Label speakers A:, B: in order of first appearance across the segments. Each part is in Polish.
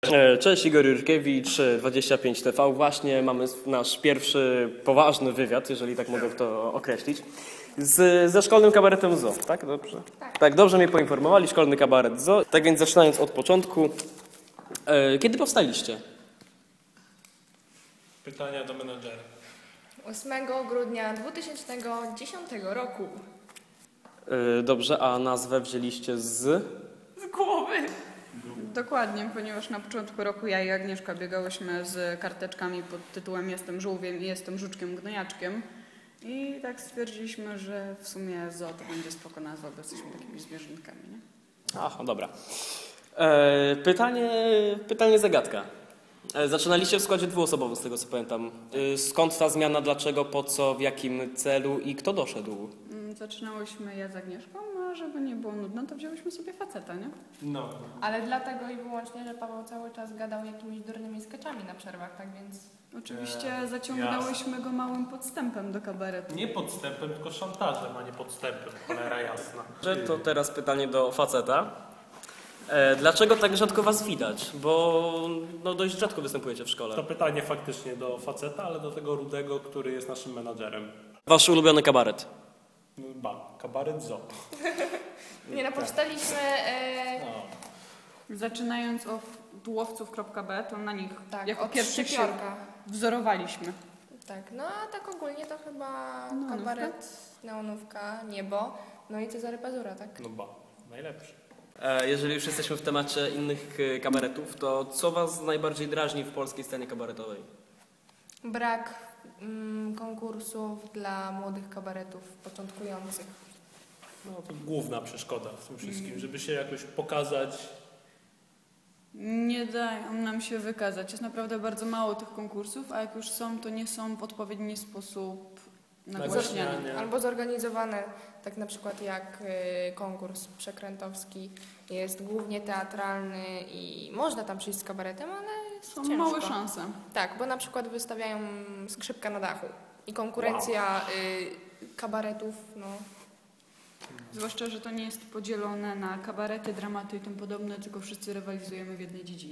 A: Cześć, Igor Jurkiewicz, 25TV. Właśnie mamy nasz pierwszy poważny wywiad, jeżeli tak mogę to określić, ze szkolnym kabaretem ZOO, tak? Dobrze? Tak, dobrze mnie poinformowali, szkolny kabaret ZOO. Tak więc zaczynając od początku, kiedy powstaliście?
B: Pytania do menadżera.
C: 8 grudnia 2010 roku.
A: Dobrze, a nazwę wzięliście z
C: głowy.
D: Dokładnie, ponieważ na początku roku ja i Agnieszka biegałyśmy z karteczkami pod tytułem Jestem żółwiem i jestem żuczkiem gnojaczkiem. I tak stwierdziliśmy, że w sumie ZOO to będzie spoko nazwa, bo jesteśmy takimi zwierzątkami, nie?
A: Aha, dobra. Pytanie zagadka. Zaczynaliście w składzie dwuosobowym, z tego co pamiętam. Skąd ta zmiana, dlaczego, po co, w jakim celu i kto doszedł?
D: Zaczynałyśmy ja z Agnieszką, a żeby nie było nudno, to wzięłyśmy sobie faceta, nie?
B: No.
C: Ale dlatego i wyłącznie, że Paweł cały czas gadał jakimiś durnymi skeczami na przerwach, tak więc...
D: Oczywiście zaciągnęłyśmy go małym podstępem do kabaretu.
B: Nie podstępem, tylko szantażem, a nie podstępem, cholera jasna.
A: To teraz pytanie do faceta. Dlaczego tak rzadko was widać? Bo no, dość rzadko występujecie w szkole.
B: To pytanie faktycznie do faceta, ale do tego rudego, który jest naszym menadżerem.
A: Wasz ulubiony kabaret?
B: Kabaret ZOO.
C: Nie no, powstaliśmy...
D: Zaczynając od łowców.b, to na nich
C: Tak,
D: jako
C: od
D: pierwszych się
C: szczypiorka.
D: wzorowaliśmy.
C: Tak, no a tak ogólnie to chyba kabaret, neonówka, niebo, no i Cezary Pazura, tak?
B: Najlepszy.
A: Jeżeli już jesteśmy w temacie innych kabaretów, to co was najbardziej drażni w polskiej scenie kabaretowej?
C: Brak konkursów dla młodych kabaretów początkujących.
B: No to główna przeszkoda w tym wszystkim, żeby się jakoś pokazać.
D: Nie dają nam się wykazać. Jest naprawdę bardzo mało tych konkursów, a jak już są, to nie są w odpowiedni sposób nagłaśniane.
C: Albo zorganizowane, tak na przykład jak konkurs przekrętowski jest głównie teatralny i można tam przyjść z kabaretem, ale jest
D: Są
C: ciężko.
D: małe szanse.
C: Tak, bo na przykład wystawiają Skrzypka na dachu i konkurencja kabaretów, no...
D: Zwłaszcza, że to nie jest podzielone na kabarety, dramaty i tym podobne, tylko wszyscy rywalizujemy w jednej dziedzinie.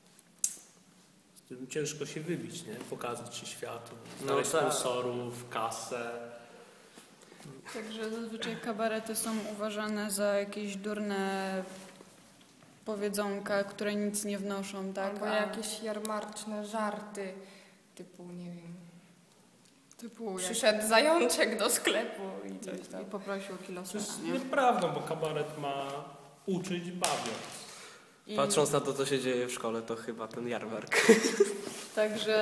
B: Z tym ciężko się wybić, nie? Pokazać się światu, znaleźć sponsorów, kasę.
D: Także zazwyczaj kabarety są uważane za jakieś durne powiedzonka, które nic nie wnoszą, tak?
C: Albo jakieś jarmarczne żarty, typu, nie wiem, przyszedł zajączek do sklepu i coś tam.
D: I poprosił kilo
B: To
D: sera,
B: jest
D: nie?
B: nieprawdą, bo kabaret ma uczyć bawiąc.
A: Patrząc na to, co się dzieje w szkole, to chyba ten jarmark.
D: Także...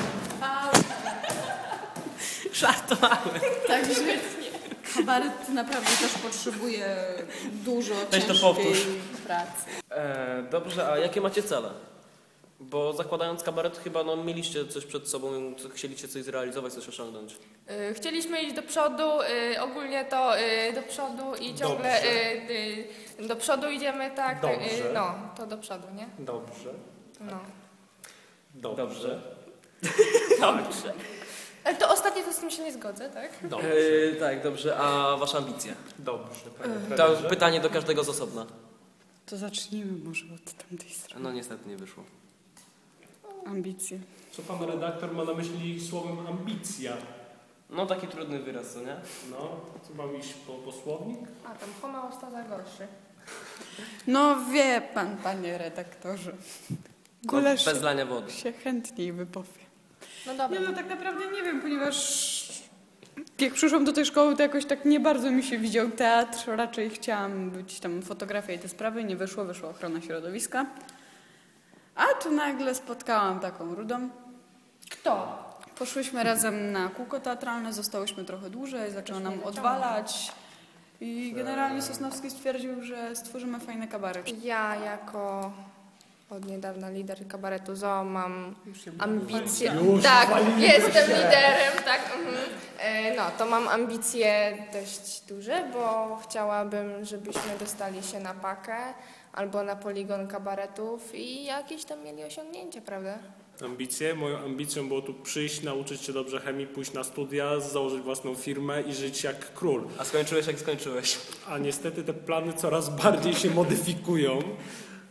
A: Żartowałem.
D: Także kabaret naprawdę też potrzebuje dużo
A: Weź to
D: ciężkiej
A: powtórz.
D: pracy.
A: Dobrze, a jakie macie cele? Bo zakładając kabaret chyba mieliście coś przed sobą, chcieliście coś zrealizować, coś osiągnąć.
C: Chcieliśmy iść do przodu, ogólnie to do przodu i ciągle do przodu idziemy, tak?
B: Dobrze.
C: No, to do przodu, nie?
B: Dobrze.
C: No.
B: Dobrze.
C: Dobrze. Ale to ostatnie to z tym się nie zgodzę, tak?
B: Dobrze.
A: Tak, dobrze, a wasze ambicje?
B: Dobrze, panie
A: To
B: trenerze.
A: pytanie do każdego z osobna.
D: To zacznijmy może od tamtej strony.
A: No niestety nie wyszło.
D: Ambicje.
B: Co pan redaktor ma na myśli słowem ambicja?
A: No taki trudny wyraz, co nie?
B: No, co mam iść po słownik?
C: A tam homeostaza gorszy.
D: No wie pan, panie redaktorze. Gulasz
A: Bez lania wody.
D: się chętniej wypowie.
C: No dobra.
D: Nie, no tak naprawdę nie wiem, ponieważ jak przyszłam do tej szkoły, to jakoś tak nie bardzo mi się widział teatr. Raczej chciałam być tam fotografia i te sprawy. Nie wyszło, wyszła ochrona środowiska. A tu nagle spotkałam taką rudą.
C: Kto?
D: Poszłyśmy razem na kółko teatralne, zostałyśmy trochę dłużej, zaczęło nam odwalać. I generalnie Sosnowski stwierdził, że stworzymy fajny kabaret.
C: Ja jako od niedawna lider kabaretu ZOO mam ambicje. Tak, jestem liderem, tak. No, to mam ambicje dość duże, bo chciałabym, żebyśmy dostali się na pakę albo na poligon kabaretów i jakieś tam mieli osiągnięcia, prawda?
B: Ambicje? Moją ambicją było tu przyjść, nauczyć się dobrze chemii, pójść na studia, założyć własną firmę i żyć jak król.
A: A skończyłeś jak skończyłeś.
B: A niestety te plany coraz bardziej się modyfikują.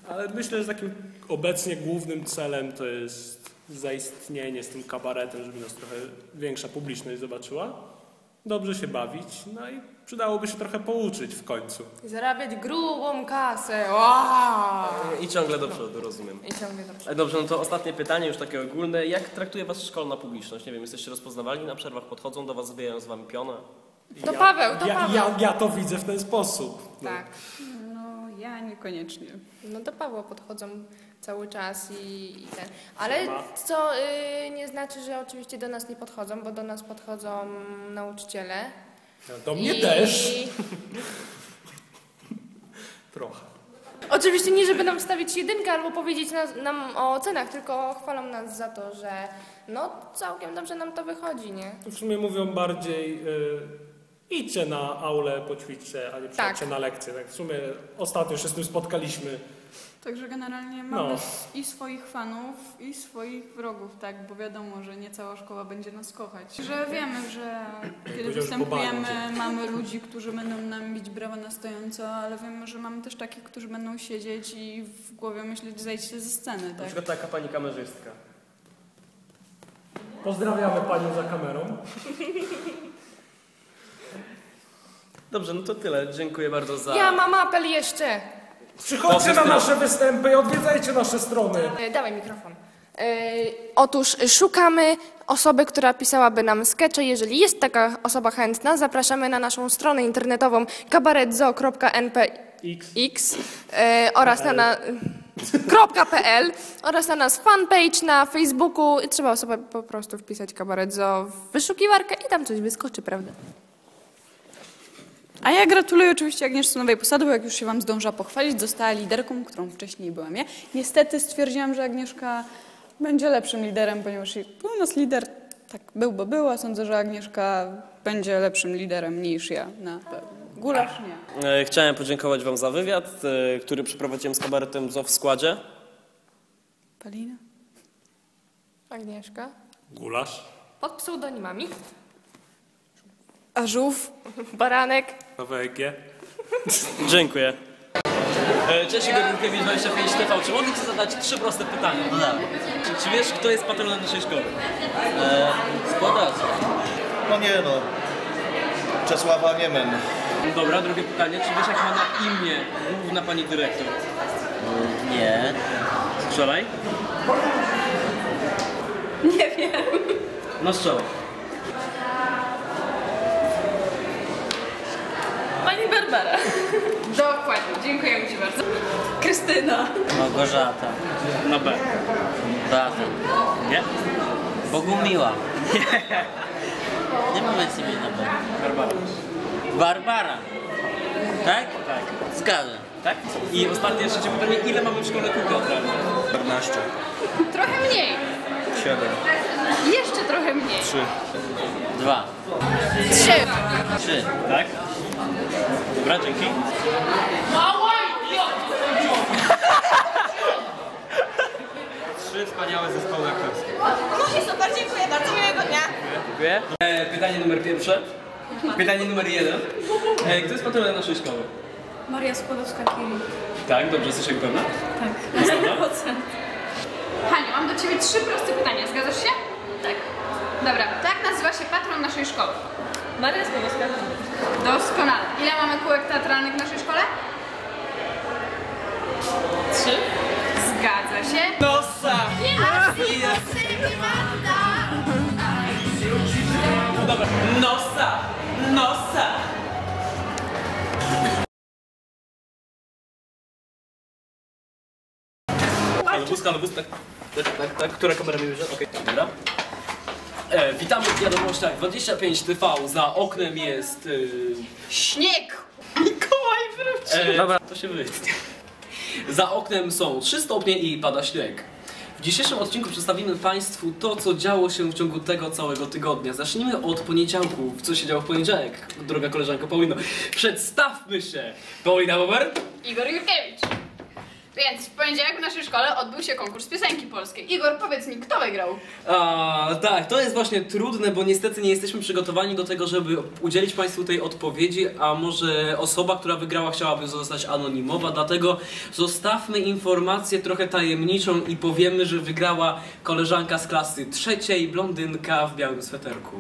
B: Ale myślę, że takim obecnie głównym celem to jest zaistnienie z tym kabaretem, żeby nas trochę większa publiczność zobaczyła. Dobrze się bawić, no i przydałoby się trochę pouczyć w końcu.
C: Zarabiać grubą kasę. Wow!
A: I ciągle do przodu, rozumiem.
C: I ciągle dobrze.
A: Dobrze, no to ostatnie pytanie, już takie ogólne. Jak traktuje was szkolna publiczność? Nie wiem, jesteście rozpoznawalni na przerwach, podchodzą do was, zbijają z wami pionę?
C: To Paweł, to Paweł.
B: Ja to widzę w ten sposób. No.
C: Tak.
D: No, ja niekoniecznie.
C: No do Pawła podchodzą cały czas i ten. Ale co nie znaczy, że oczywiście do nas nie podchodzą, bo do nas podchodzą nauczyciele.
B: Do mnie też. Trochę.
C: Oczywiście nie, żeby nam wstawić jedynkę albo powiedzieć nam o ocenach, tylko chwalą nas za to, że no całkiem dobrze nam to wychodzi, nie?
B: W sumie mówią bardziej idźcie na aulę, poćwiczcie, a nie przyjdźcie na lekcję. Tak w sumie ostatnio się z tym spotkaliśmy.
D: Także generalnie mamy i swoich fanów, i swoich wrogów, tak? Bo wiadomo, że nie cała szkoła będzie nas kochać. Że wiemy, że kiedy występujemy, mamy ludzi, którzy będą nam bić brawa na stojąco, ale wiemy, że mamy też takich, którzy będą siedzieć i w głowie myśleć, zejdźcie ze sceny,
A: Na
D: tak?
A: przykład taka pani kamerzystka.
B: Pozdrawiamy panią za kamerą.
A: Dobrze, no to tyle. Dziękuję bardzo za...
C: Ja mam apel jeszcze.
B: Przychodźcie na nasze występy i odwiedzajcie nasze strony.
C: Dawaj mikrofon. Otóż szukamy osoby, która pisałaby nam skecze. Jeżeli jest taka osoba chętna, zapraszamy na naszą stronę internetową kabaretzo.npx oraz na .pl oraz na nas fanpage na Facebooku. Trzeba sobie po prostu wpisać kabaretzo w wyszukiwarkę i tam coś wyskoczy, prawda?
D: A ja gratuluję oczywiście Agnieszce nowej posady, bo jak już się wam zdążyła pochwalić, została liderką, którą wcześniej byłam ja. Niestety stwierdziłam, że Agnieszka będzie lepszym liderem, ponieważ u nas lider tak był, bo była. Sądzę, że Agnieszka będzie lepszym liderem niż ja na pewno. Gulasz nie.
A: Chciałem podziękować wam za wywiad, który przeprowadziłem z kabaretem ZO w składzie.
D: Palina?
C: Agnieszka.
B: Gulasz.
C: Pod pseudonimami.
D: Ażów?
C: Baranek.
B: Nowe EG.
A: Dziękuję. Cześć, Igor Rurkiewicz, 25 TV. Czy mogę ci zadać 3 proste pytania?
E: No tak.
A: Czy wiesz, kto jest patronem naszej szkoły?
E: Składać.
F: No nie no. Czesława Niemen.
A: Dobra, drugie pytanie. Czy wiesz, jak ma na imię główna pani dyrektor?
E: Nie.
A: Strzelaj.
D: Nie wiem.
A: No strzelaj.
D: Pani Barbara. Dokładnie, dziękujemy ci bardzo. Krystyna.
E: Małgorzata.
A: Na B.
E: Beata.
A: Nie?
E: Bogumiła. Nie mamy sobie na B.
A: Barbara.
E: Barbara. Tak?
A: Tak.
E: Zgadza.
A: Tak? I ostatnie jeszcze pytanie. Ile mamy w szkole kół teatralne?
F: 14.
D: Trochę mniej.
F: 7.
D: Jeszcze trochę mniej.
F: 3.
E: 2.
C: 3.
E: 3.
A: Tak? Dobra, dzięki. Trzy wspaniałe zespoły aktorskie.
G: No i super, dziękuję bardzo, miłego dnia.
A: Dziękuję. Pytanie numer pierwsze. Pytanie numer 1. Kto jest patronem naszej szkoły?
D: Maria Skłodowska-Curie.
A: Tak, dobrze, jesteś jak pewna?
D: Tak, na 100%.
H: Haniu, mam do Ciebie 3 proste pytania. Zgadzasz się? Tak. Dobra, tak nazywa się patron naszej szkoły.
G: Maria Skłodowska.
H: Doskonale. Ile mamy kółek teatralnych w naszej szkole?
G: 3.
H: Zgadza się.
G: Nosa.
A: Dobra.
G: Nosa. Nosa.
A: Ale bus, tak. Która kamera mi bierze? Okej, dobra. Witamy w wiadomościach 25 TV. Za oknem jest...
G: Śnieg. Mikołaj wrócił.
A: Dobra, to się wytnie. Za oknem są 3 stopnie i pada śnieg. W dzisiejszym odcinku przedstawimy Państwu to, co działo się w ciągu tego całego tygodnia. Zacznijmy od poniedziałku. Co się działo w poniedziałek, droga koleżanko Paulino? Przedstawmy się! Paulina Bober?
H: Igor Jurkiewicz. Więc w poniedziałek w naszej szkole odbył się konkurs piosenki polskiej. Igor, powiedz mi, kto wygrał?
A: Tak, to jest właśnie trudne, bo niestety nie jesteśmy przygotowani do tego, żeby udzielić Państwu tej odpowiedzi, a może osoba, która wygrała, chciałaby zostać anonimowa, dlatego zostawmy informację trochę tajemniczą i powiemy, że wygrała koleżanka z klasy 3, blondynka w białym sweterku.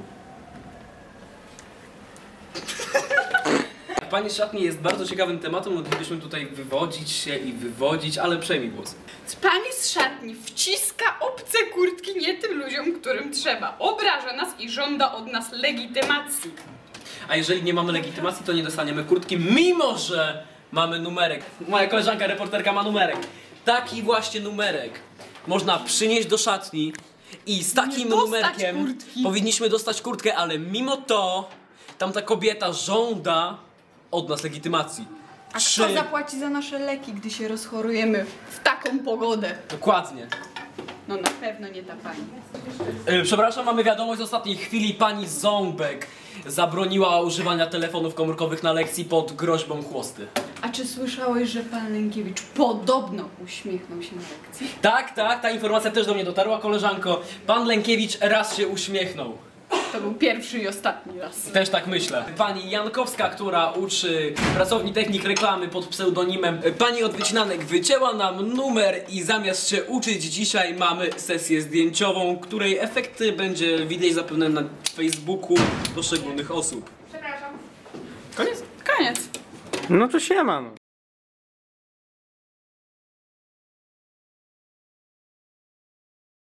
A: Pani z szatni jest bardzo ciekawym tematem, moglibyśmy tutaj wywodzić się i wywodzić, ale przejmij głos.
H: Pani z szatni wciska obce kurtki nie tym ludziom, którym trzeba. Obraża nas i żąda od nas legitymacji.
A: A jeżeli nie mamy legitymacji, to nie dostaniemy kurtki, mimo że mamy numerek. Moja koleżanka, reporterka ma numerek. Taki właśnie numerek można przynieść do szatni i z takim numerkiem powinniśmy dostać kurtkę, ale mimo to tamta kobieta żąda od nas legitymacji.
D: A kto zapłaci za nasze leki, gdy się rozchorujemy w taką pogodę?
A: Dokładnie.
D: No na pewno nie ta pani.
A: Przepraszam, mamy wiadomość z ostatniej chwili. Pani Ząbek zabroniła używania telefonów komórkowych na lekcji pod groźbą chłosty.
D: A czy słyszałeś, że pan Lękiewicz podobno uśmiechnął się na lekcji?
A: Tak, ta informacja też do mnie dotarła, koleżanko. Pan Lękiewicz raz się uśmiechnął.
D: To był pierwszy i ostatni raz.
A: Też tak myślę. Pani Jankowska, która uczy pracowni technik reklamy pod pseudonimem Pani od Wycinanek, wycięła nam numer i zamiast się uczyć dzisiaj mamy sesję zdjęciową, której efekty będzie widać zapewne na Facebooku poszczególnych osób.
H: Przepraszam.
A: Koniec?
D: Koniec.
A: No to siema.